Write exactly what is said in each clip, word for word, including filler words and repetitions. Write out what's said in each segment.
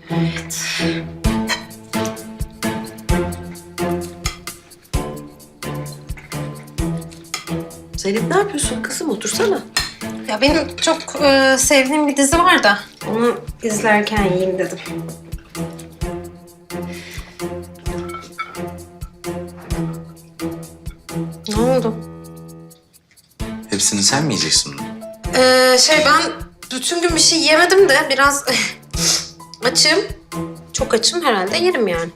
Evet. Zeynep ne yapıyorsun kızım? Otursana. Ya benim çok e, sevdiğim bir dizi var da onu izlerken yiyeyim dedim. Ne oldu? Hepsini sen mi yiyeceksin bunu? Ee, şey ben bütün gün bir şey yemedim de biraz açım. Çok açım herhalde yerim yani.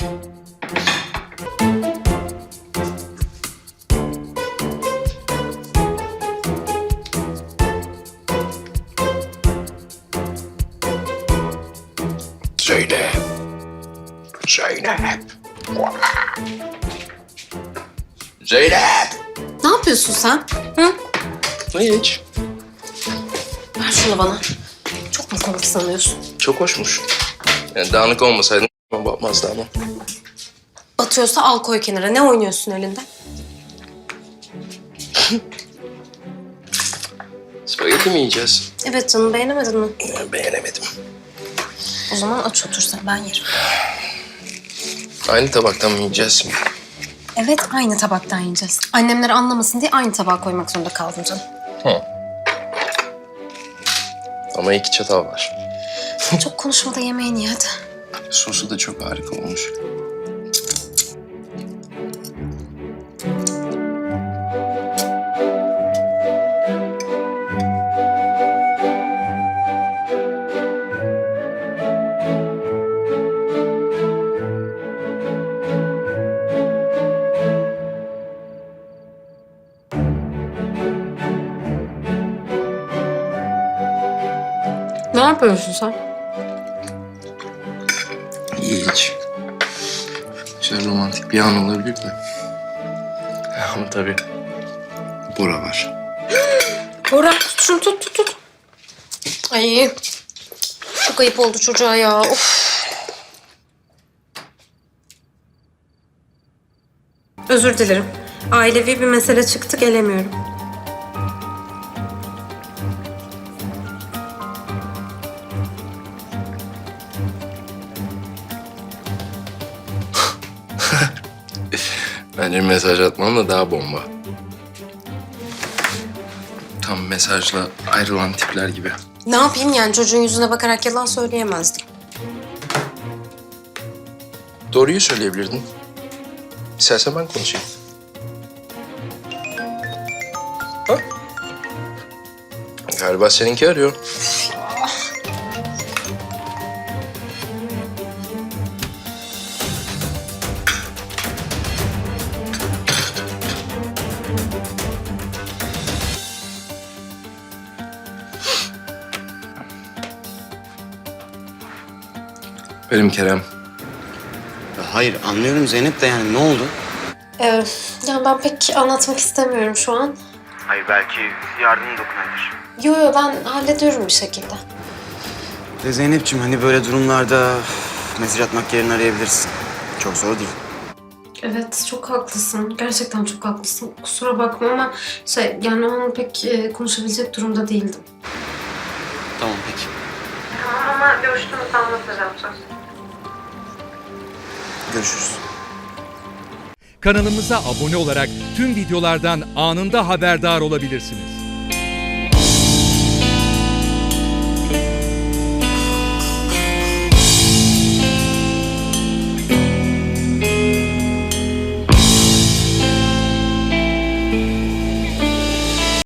Zeynep. Zeynep. Zeynep. Ne yapıyorsun sen? Hı? Hiç. Ver şunu bana. Çok mu komik sanıyorsun? Çok hoşmuş. Yani dağınık olmasaydın bakmazdı ama. Batıyorsa al koy kenara. Ne oynuyorsun elinde? Spagetti mi yiyeceğiz? Evet canım beğenemedin mi? Ben beğenemedim. O zaman aç otursan ben yerim. Aynı tabaktan mı yiyeceğiz şimdi? Evet aynı tabaktan yiyeceğiz. Annemler anlamasın diye aynı tabağa koymak zorunda kaldım canım. Hı. Ama iki çatal var. Çok konuşma da yemeğini ye hadi. Sosu da çok harika olmuş. Ne yapıyorsun sen? Hiç. Şöyle romantik bir an olabilir de. Ama tabii Bora var. Bora tut şunu tut tut tut. Ay çok ayıp oldu çocuğa ya. Of. Özür dilerim. Ailevi bir mesele çıktı gelemiyorum. Bence mesaj atmam daha bomba. Tam mesajla ayrılan tipler gibi. Ne yapayım yani çocuğun yüzüne bakarak yalan söyleyemezdim. Doğruyu söyleyebilirdin. İstersen ben konuşayım. Ha? Galiba seninki arıyor. Benim Kerem. Ya hayır anlıyorum Zeynep de yani ne oldu? Ee, yani ben pek anlatmak istemiyorum şu an. Hayır belki yardım dokunabilir. Yo yo ben hallediyorum bir şekilde. De Zeynep'ciğim hani böyle durumlarda mesaj atmak yerine arayabilirsin. Çok zor değil. Evet çok haklısın. Gerçekten çok haklısın. Kusura bakma ama şey yani o an pek e, konuşabilecek durumda değildim. Tamam peki. Tamam ama görüştüğümüzde anlatacağım söz. Görüşürüz. Kanalımıza abone olarak tüm videolardan anında haberdar olabilirsiniz.